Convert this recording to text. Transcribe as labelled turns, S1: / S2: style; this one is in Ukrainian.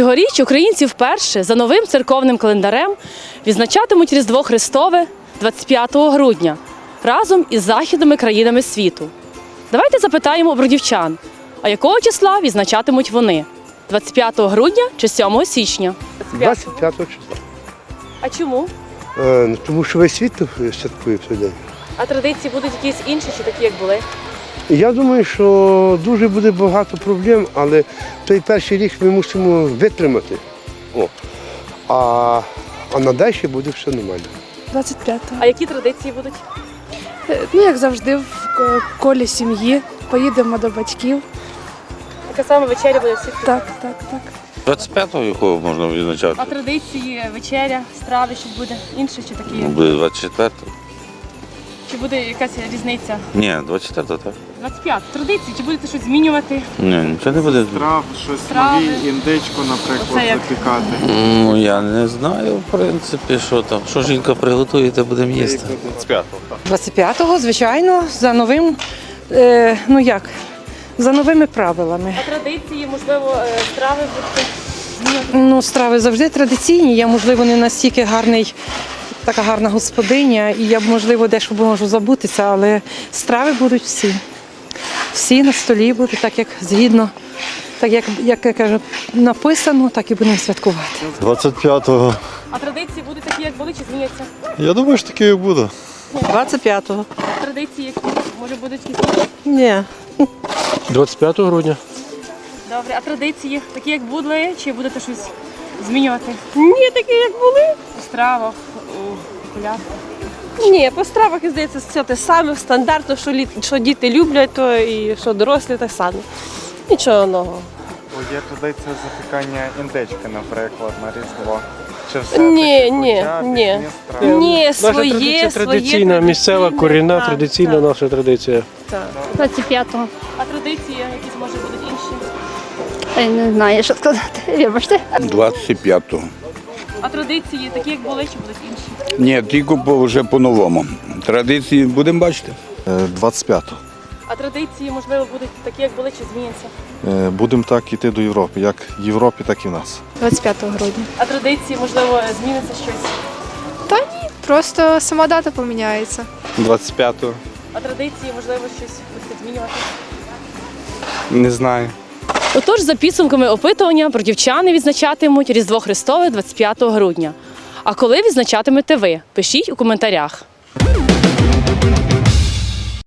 S1: Цьогоріч українці вперше за новим церковним календарем відзначатимуть Різдво Христове 25 грудня разом із західними країнами світу. Давайте запитаємо у бродівчан, а якого числа відзначатимуть вони? 25 грудня чи 7 січня?
S2: 25 числа.
S1: А чому?
S2: Тому що весь світ святкує в цей день.
S1: А традиції будуть якісь інші чи такі, як були?
S2: Я думаю, що дуже буде багато проблем, але той перший рік ми мусимо витримати. А надалі буде все нормально.
S3: 25-го.
S1: А які традиції будуть?
S3: Ну, як завжди, в колі сім'ї. Поїдемо до батьків.
S1: Яка саме вечеря буде всіх?
S3: Так.
S4: 25-го якого можна відзначати?
S1: А традиції, вечеря, страви, щось буде інше чи такі?
S4: Буде 24-го.
S1: Чи буде якась різниця?
S4: Ні, 24-го, так.
S1: 25 традиції, чи будете щось змінювати?
S4: Ні, нічого не буде.
S5: Страв, щось
S1: Страви.
S5: нові, індичку, наприклад,
S1: Оце як?
S5: запікати.
S4: Ну, я не знаю, в принципі, що там. Що жінка приготує, то будемо їсти.
S6: 25-го, звичайно, за новим, за новими правилами.
S1: А традиції, можливо, страви будуть змінювати?
S6: Ну, страви завжди традиційні, я, можливо, не настільки така гарна господиня, і я, можливо, дещо можу забутися, але страви будуть всі. Всі на столі будуть, так як згідно, так як я кажу, написано, так і будемо святкувати.
S7: 25-го.
S1: А традиції будуть такі, як були, чи зміняться?
S7: Я думаю, що таке і буде.
S6: 25-го?
S1: Традиції, які, може, будуть якісь?
S6: Ні.
S7: 25 грудня.
S1: Добре, а традиції такі, як були, чи будете щось змінювати?
S8: Ні, такі як були.
S1: У стравах, у популярах?
S8: Ні, по стравах, здається, все те саме, стандартно, що діти люблять, то і що дорослі, так само. Нічого нового.
S5: Є традиція запікання індички, наприклад, на Різдво. Чи все
S8: Ні. Ні,
S7: Наша традиція традиційна, місцева, корінна, традиційна наша традиція.
S9: 25-го.
S1: А традиції якісь, може, будуть інші?
S9: Я не знаю, що сказати. Вибачте.
S10: 25-го.
S1: А традиції такі, як були, чи будуть інші?
S10: Ні, тільки вже по-новому. Традиції будемо бачити.
S7: 25-го.
S1: А традиції, можливо, будуть такі, як були, чи зміняться?
S7: Будемо так йти до Європи. Як в Європі, так і в нас.
S3: 25 грудня.
S1: А традиції, можливо, зміниться щось?
S3: Та ні, просто сама дата поміняється.
S5: 25-го.
S1: А традиції, можливо, щось будете змінювати?
S5: Не знаю.
S1: Отож, за підсумками опитування, бродівчани відзначатимуть Різдво Христове 25 грудня. А коли відзначатимете ви? Пишіть у коментарях.